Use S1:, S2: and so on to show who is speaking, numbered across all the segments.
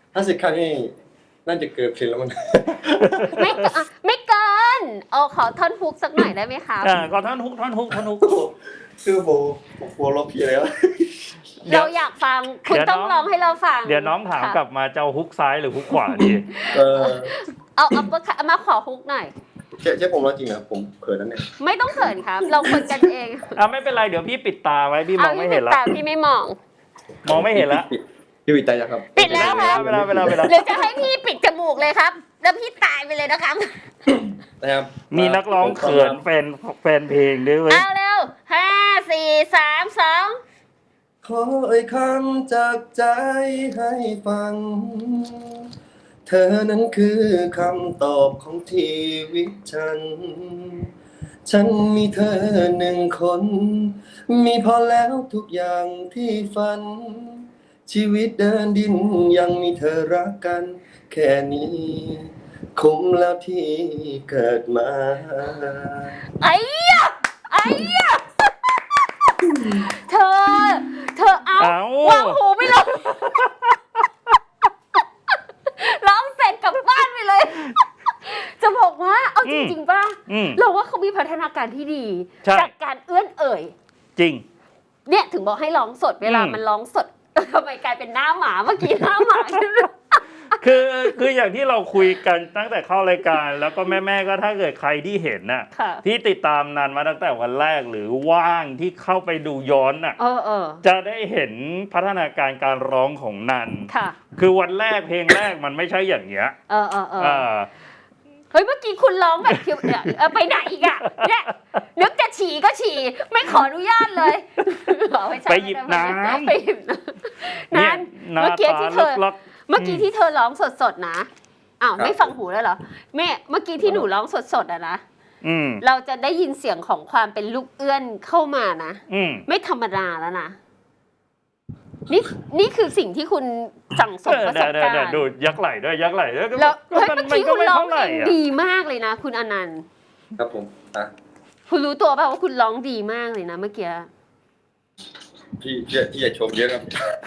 S1: 50 ครั้งนี่น่าจะเกินเพลงแล้วมั้ง
S2: ไม่เกินขอท่อนฮุกสักหน่อยได้ไหมคะ
S3: ก็ท่อนฮุก
S1: คือผมกลัวลบพี่แล้ว
S2: เราอยากฟังคุณต้องร้องให้เราฟัง
S3: เดี๋ยวน้องถามกลับมาจะฮุกซ้ายหรือฮุกขวาดี
S2: เอามาขอฮุกหน่อย
S1: ใช่ผมร้องจริงเหรอผมเขินนั่นเนี่ย
S2: ไม่ต้องเขินครับเราคนกันเอง
S3: ไม่เป็นไรเดี๋ยวพี่ปิดตาไว้พี่มองไม่เห็นแล้ว
S2: พี่ไม่มอง
S3: ไม่เห็นแล้ว
S1: พี่ปิดตายังครับ
S2: ปิดแล้วครับ
S3: เวลา
S2: หรือจะให้พี่ปิดจมูกเลยครับแล้วพี่ตายไปเลยนะครับ
S1: มี
S3: นักร้องเขินแฟนเพลงด้วยเว้ย
S2: เอาเร็ว5 4 3 2
S1: ขอเอ่ยคำจากใจให้ฟังเธอนั้นคือคำตอบของชีวิตฉันมีเธอ1 คนมีพอแล้วทุกอย่างที่ฝันชีวิตเดินดินยังมีเธอรักกันแค่นี้คุ้มแล้วที่เกิดมา
S2: ไอ้เธอเอาวางหูไม่ลงร้องเสร็จกลับบ้านไปเลยจะบอกว่าเอาจริงๆป่ะเราว่าเขามีพัฒนาการที่ดีจากการเอื้อนเอ่ย
S3: จริง
S2: เนี่ยถึงบอกให้ร้องสดเวลามันร้องสดทำไมกลายเป็นหน้าหมาเมื่อกี้หน้าหมา
S3: คืออย่างที่เราคุยกันตั้งแต่เข้ารายการแล้วก็แม่ก็ถ้าเกิดใครที่เห็นน่ะที่ติดตามนันมาตั้งแต่วันแรกหรือว่างที่เข้าไปดูย้อนน่ะจะได้เห็นพัฒนาการการร้องของนันคือวันแรกเพลงแรกมันไม่ใช่อย่างเงี้ย
S2: เฮ้ยเมื่อกี้คุณร้องแบบคิวไปไหนอีกอ่ะเนี่ยนึกจะฉี่ก็ฉี่ไม่ขออนุญาตเลย
S3: ไปหยิบน้ำ
S2: นั่นเมื่อกี้ที่เธอร้องสดๆนะไม่ฟังหูแล้วเหรอแม่เมื่อกี้ที่หนูร้องสดๆอะนะเราจะได้ยินเสียงของความเป็นลูกเอื้อนเข้ามานะไม่ธรรมดาแล้วนะนี่คือสิ่งที่คุณสั่งสมประสบการณ์
S3: ดูยักไหลด้วยแล้วเ
S2: มื่อกี้คุณร้องเพลงดีมากเลยนะคุณอนันต์
S1: ครับผม
S2: คุณรู้ตัวป่ะว่าคุณร้องดีมากเลยนะเมื่อกี้
S1: พี่อย่าชมเยอะครับ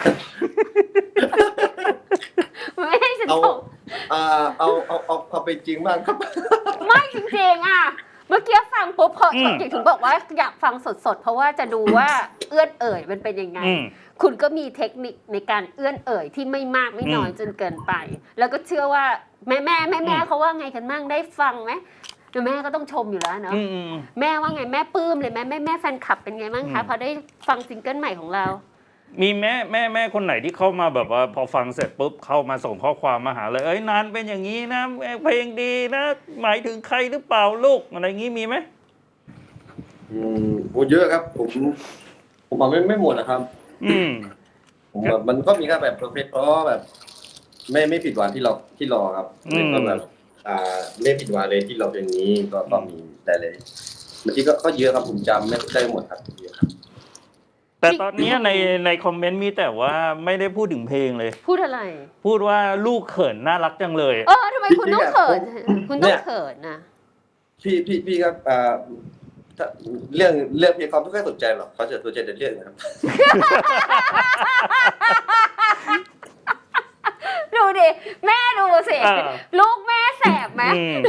S2: ไม่ให้ฉันชม
S1: เอาไปจริงมากครับ
S2: ไม่จริงๆอ่ะเมื่อกี้ฟังปุ๊บพอถึงบอกว่าอยากฟังสดๆเพราะว่าจะดูว่าเอื้อนเอ่ยมันเป็นยังไงคุณก็มีเทคนิคในการเอื้อนเอ่ยที่ไม่มากไม่น้อยจนเกินไปแล้วก็เชื่อว่าแม่เขาว่าไงกันบ้างได้ฟังไหมแม่ก็ต้องชมอยู่แล้วเนาะแม่ว่าไงแม่ปลื้มเลยแม่แฟนคลับเป็นไงบ้างคะพอได้ฟังซิงเกิลใหม่ของเรา
S3: มีแม่คนไหนที่เข้ามาแบบว่าพอฟังเสร็จปุ๊บเข้ามาส่งข้อความมาหาเลยนานเป็นอย่างนี้นะเพลงดีนะหมายถึงใครหรือเปล่าลูกอะไรงี้มีไหม
S1: โอ้เยอะครับผมบอกไม่หมดนะครับผมแบบมันก็มีแค่แบบเพอร์เฟคแบบไม่ผิดหวังที่รอครับก็แบบไม่ผิดหวังเลยที่เราเป็นนี้ก็มีแต่เลยบางทีก็เยอะครับผมจำไม่ได้หมดครับเยอะครับ
S3: แต่ตอนนี้ในคอมเมนต์มีแต่ว่าไม่ได้พูดถึงเพลงเลย
S2: พูดอะไร
S3: พูดว่าลูกเขินน่ารักจังเลย
S2: ทำไมคุณต้องเขินคุณต้องเขินนะ
S1: พี่ครับเรื่องเพลงเขาไม่ค่อยสนใจหรอกเขาจะสนใจแต่เรื่องนะครับ
S2: ดูดิแม่ดูสิลูกแม่แสบไหม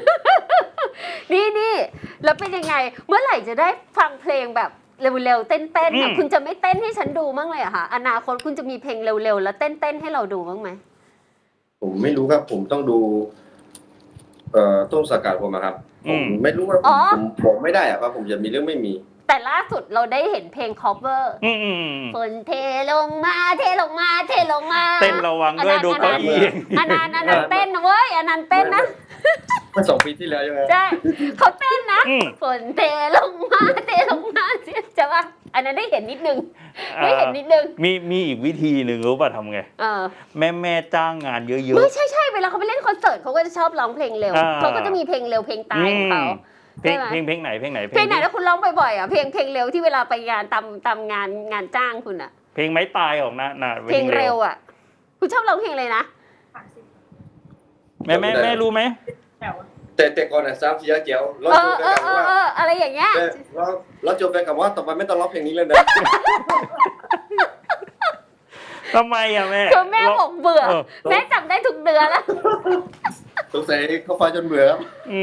S2: นี่แล้วเป็นยังไงเมื่อไหร่จะได้ฟังเพลงแบบเร็วๆเต้นๆคุณจะไม่เต้นให้ฉันดูบ้างเลยเหรอคะอนาคตคุณจะมีเพลงเร็วๆแล้วเต้นๆให้เราดูบ้างไหม
S1: ผมไม่รู้ครับผมต้องดูต้นสังกัดผมครับผมไม่รู้ว่าผมไม่ได้อะครับผมจะมีเรื่องไม่มี
S2: แต่ล่าสุดเราได้เห็นเพลง cover ฝนเทลงมาเทลงมาเ
S3: ต้นระวังด้วยดูเก้าอี้
S2: อนันต์เต้นนะเว้ยอนันต์เต้นนะ
S1: เมื่อ2 ปีที่แล้วใช่ไหม
S2: ใช่เขาเต้นนะฝนเทลงมาจะว่าอันนั้นได้เห็นนิดนึง
S3: มีอีกวิธีหนึ่งรู้ป่ะทำไงแม่จ้างงานเยอะๆ
S2: ไม่ใช่เวลาเขาไปเล่นคอนเสิร์ตเขาก็จะชอบร้องเพลงเร็วเขาก็จะมีเพลงเร็วเพลงตายของเขา
S3: เพลงไหน
S2: แล้วคุณร้องบ่อยๆอ่ะเพลงเร็วที่เวลาไปงานตามงานจ้างคุณอ่ะ
S3: เพลงไม้ตายของนะ
S2: เพลงเร็วอ่ะคุณชอบร้องเพลงอะไรนะ
S3: แม่รู้ไหม
S1: แต่ก่อนอ่ะ3 4เจียวร้องโจแฟนกับว่า
S2: อะไรอย่างเงี้ย
S1: ร้องโจแฟนกับว่าต่อไปไม่ต้องร้องเพลงนี้เลยนะ
S3: ทำไมอะแม่
S2: คือแม่บอกเบื่อแม่จำได้ทุกเดือนแล้ว
S1: สงสัยเขาฟังจนเบื่อครับ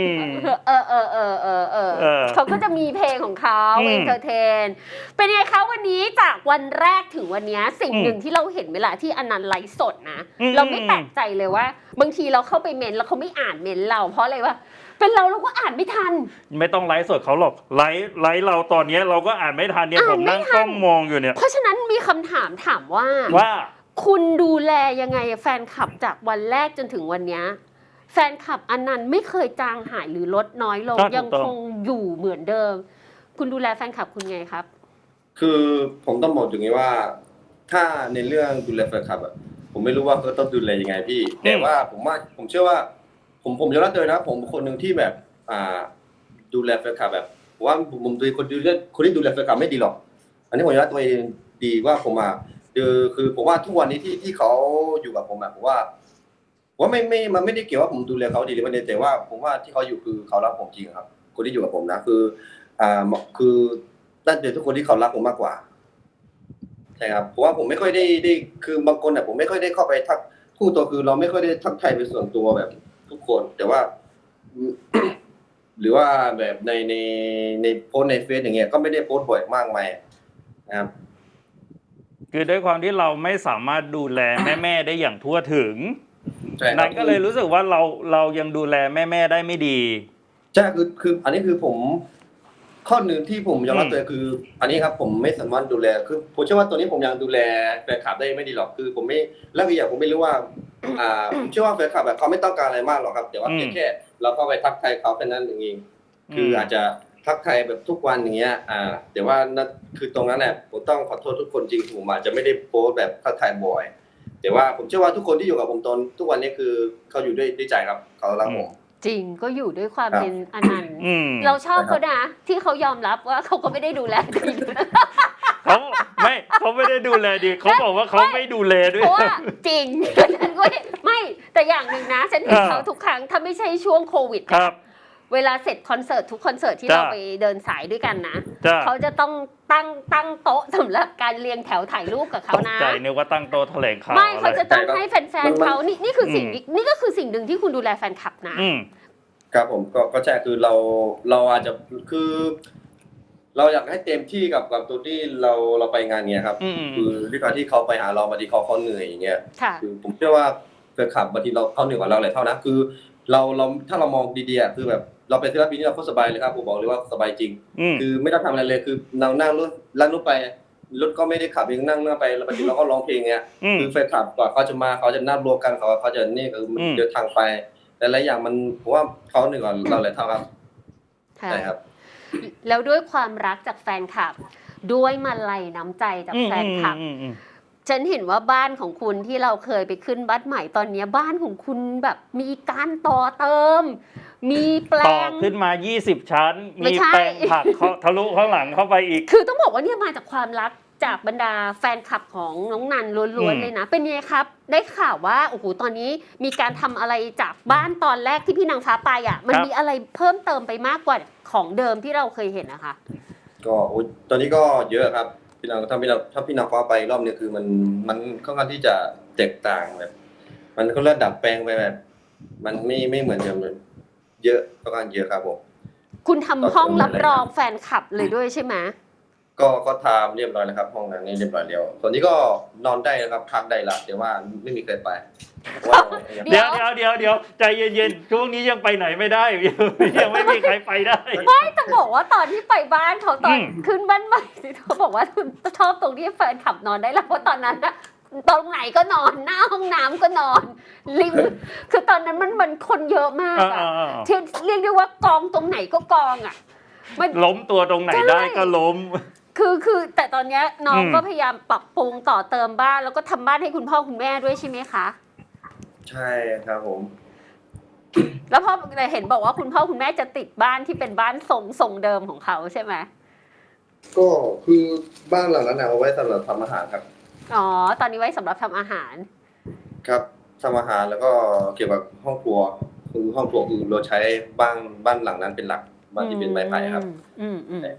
S2: เขาก็จะมีเพลงของเขาเอนเตอร์เทนเป็นไงคะวันนี้จากวันแรกถึงวันนี้สิ่งหนึ่งที่เราเห็นเวลาที่อนันต์ไลฟ์สดนะเราไม่แปลกใจเลยว่าบางทีเราเข้าไปเมนแล้วเขาไม่อ่านเมนเราเพราะอะไรวะเป็นเราก็อ่านไม่ทัน
S3: ไม่ต้องไลฟ์สดเขาหรอกไลฟ์เราตอนนี้เราก็อ่านไม่ทันเนี่ยผมนั่งกล้องมองอยู่เนี่ย
S2: เพราะฉะนั้นมีคำถามว่าคุณดูแลยังไงแฟนคลับจากวันแรกจนถึงวันนี้แฟนคลับอนันต์ไม่เคยจางหายหรือลดน้อยลงยังคงอยู่เหมือนเดิมคุณดูแลแฟนคลับคุณไงครับ
S1: คือผมต้องบอกอย่างนี้ว่าถ้าในเรื่องดูแลแฟนคลับอ่ะผมไม่รู้ว่าเขาต้องดูแลยังไงพี่แต่ว่าผมเชื่อว่าผมยอมรับเลยนะผมคนหนึ่งที่แบบดูแลแฟนคลับแบบว่าผมดูคนที่ดูแลแฟนคลับไม่ดีหรอกอันนี้ผมยอมรับตัวเองดีว่าผมคือผมว่าทุกวันนี้ที่เขาอยู่กับผมผมว่ามันไม่ได้เกี่ยวว่าผมดูแลเขาดีหรือไม่ดีแต่ว่าผมว่าที่เขาอยู่คือเขารักผมจริงครับคนที่อยู่กับผมนะคือนั่นเป็นทุกคนที่เขารักผมมากกว่าใช่ครับเพราะว่าผมไม่ค่อยได้คือบางคนผมไม่ค่อยได้เข้าไปทักคู่ตัวคือเราไม่ค่อยได้ทักทายเป็นส่วนตัวแบบทุกคนแต่ว่า หรือว่าแบบในโพสในเฟซอย่างเงี้ยก็ไม่ได้โพสบ่อยมากมายนะครับ
S3: คือด้วยความที่เราไม่สามารถดูแลแม่ได้อย่างทั่วถึงนั่นก็เลยรู้สึกว่าเรายังดูแลแม่ได้ไม่ดี
S1: ใช่คืออันนี้คือผมข้อหนึ่งที่ผมยอมรับตัวคืออันนี้ครับผมไม่สามารถดูแลคือผมเชื่อว่าตัวนี้ผมยังดูแลแฟนคลับได้ไม่ดีหรอกคือผมไม่แล้วอีกอย่างผมไม่รู้ว่าผมเชื่อว่าแฟนคลับแบบเขาไม่ต้องการอะไรมากหรอกครับแต่ว่าแค่เราเข้าไปทักทายเขาแค่นั้นเองคืออาจจะทักทายแบบทุกวันอย่างเงี้ยแต่ว่านั่นคือตรงนั้นแหละผมต้องขอโทษทุกคนจริงผมอาจจะไม่ได้โพสแบบทักทายบ่อยแต่ว่าผมเชื่อว่าทุกคนที่อยู่กับผมตอนทุกวันนี้คือเขาอยู่ด้วยใจครับเขารักผม
S2: จริงก็อยู่ด้วยความเป็นอนันต์เราชอบเขานะที่เขายอมรับว่าเขาก็ไม่ได้ดูแลดี
S3: เขาไม่ได้ดูแลดีเขาบอกว่าเขาไม่ดูแลด้วย
S2: เพราะว่าจริงฉันก็ไม่แต่อย่างหนึ่งนะฉันเห็นเขาทุกครั้งถ้าไม่ใช่ช่วงโควิดเวลาเสร็จคอนเสิร์ตทุกคอนเสิร์ตที่เราไปเดินสายด้วยกันนะเขาจะต้องตั้งโต๊ะสำหรับการเรียงแถวถ่ายรูปกับเขานะ
S3: ใจนึกว่าตั้งโต๊ะแถลงข่าว
S2: ไม่เขาจะต้องให้แฟนๆเขานี่คือสิ่งนี่ก็คือสิ่งหนึ่งที่คุณดูแลแฟนคลับนะครับ
S1: ผมก็ใช่คือเราอาจจะคือเราอยากให้เต็มที่กับตัวที่เราไปงานเนี้ยครับคือด้วยการที่เขาไปหาเราบางทีเขาเหนื่อยอย่างเงี้ยคือผมเชื่อว่าแฟนคลับบางทีเขาเหนื่อยกว่าเราหลายเท่านะคือเราถ้าเรามองดีๆคือแบบเราเป็นศิลปินที่เราก็สบายเลยครับผมบอกเลยว่าสบายจริงคือไม่ต้องทำอะไรเลยคือเรานั่งรถลั่นรถไปรถก็ไม่ได้ขับเองนั่งไปแล้วบางทีเราก็ร้องเพลงเงี้ยคือแฟนคลับกว่าเขาจะมาเขาจะนัดรวมกันเขาจะนี่คือเดินทางไปแต่หลายอย่างมันผมว่าเขาเหนื่อยกว่าเราหลายเท่าครับใช่ครับ
S2: แล้วด้วยความรักจากแฟนคลับด้วยมาลัยน้ำใจจากแฟนคลับฉันเห็นว่าบ้านของคุณที่เราเคยไปขึ้นบ้านใหม่ตอนนี้บ้านของคุณแบบมีการต่อเติมมีแปลงต่อ
S3: ขึ้นมา20ชั้นมีแปลงผักทะลุข้างหลังเข้าไปอีก
S2: คือต้องบอกว่าเนี่ยมาจากความรักจากบรรดาแฟนคลับของน้องนันล้วนๆเลยนะเป็นไงครับได้ข่าวว่าโอ้โหตอนนี้มีการทำอะไรจากบ้านตอนแรกที่พี่นางฟ้าไปมันมีอะไรเพิ่มเติมไปมากกว่าของเดิมที่เราเคยเห็นนะคะ
S1: ก็ตอนนี้ก็เยอะครับถ้าพี่นางฟ้าไปรอบนี้คือมันค่อนข้างที่จะแตกต่างแบบมันก็ระดับแปลงไปแบบมันไม่เหมือนเดิมเลยเยอะค่อนข้างเยอะครับผม
S2: คุณทำห้องรับรองแฟนคลับเลยด้วยใช่ไหม
S1: ก็ทำเรียบร้อยแล้วครับห้องนั้นนี่เรียบร้อยแล้วตอนนี้ก็นอนได้นะครับพักได้ละแต่ว่าไม่มีใครไป
S3: เดี๋ยวใจเย็นๆช่วงนี้ยังไปไหนไม่ได้ยังไม่มีใครไปได้
S2: ไม่ต้องบอกว่าตอนที่ไปบ้านเขาตอนขึ้นบ้านใหม่เขาบอกว่าชอบตรงที่แฟนขับนอนได้แล้วเพราะตอนนั้นนะตรงไหนก็นอนหน้าห้องน้ำก็นอนริมคือตอนนั้นมันคนเยอะมากที่เรียกได้ว่ากองตรงไหนก็กอง
S3: ล้มตัวตรงไหนได้ก็ล้ม
S2: คือแต่ตอนนี้น้องก็พยายามปรับปรุงต่อเติมบ้านแล้วก็ทำบ้านให้คุณพ่อคุณแม่ด้วยใช่ไหมคะ
S1: ใช่ครับผม
S2: แล้วพ่อแต่เห็นบอกว่าคุณพ่อคุณแม่จะติดบ้านที่เป็นบ้านทรงเดิมของเขาใช่ไหม
S1: ก็คือบ้านหลังนั้นเอาไว้สำหรับทำอาหารครับ
S2: อ๋อตอนนี้ไว้สำหรับทำอาหาร
S1: ครับทำอาหารแล้วก็เกี่ยวกับห้องครัวคือห้องครัวคือเราใช้บ้านหลังนั้นเป็นหลักบ้านที่เป็นไม้ไผ่ครับ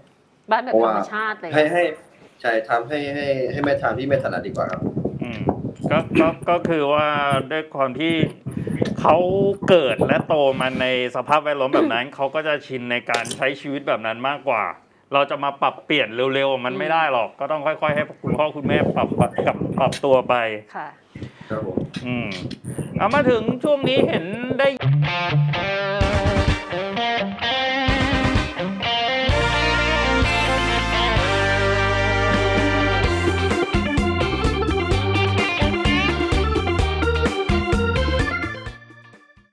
S2: บ้านแบบธรรมชาติเลย
S1: ให้ใช่ทำให้แม่ทานที่ไม่ถนัดดีกว่าครับ
S3: ก็คือว่าด้วยความที่เขาเกิดและโตมาในสภาพแวดล้อมแบบนั้น เขาก็จะชินในการใช้ชีวิตแบบนั้นมากกว่า เราจะมาปรับเปลี่ยนเร็วๆมันไม่ได้หรอกก็ต้องค่อยๆให้คุณพ่อคุณแม่ปรับตัวไป
S2: ค่ะ
S3: ครับผมเอามาถึงช่วงนี้เห็นได้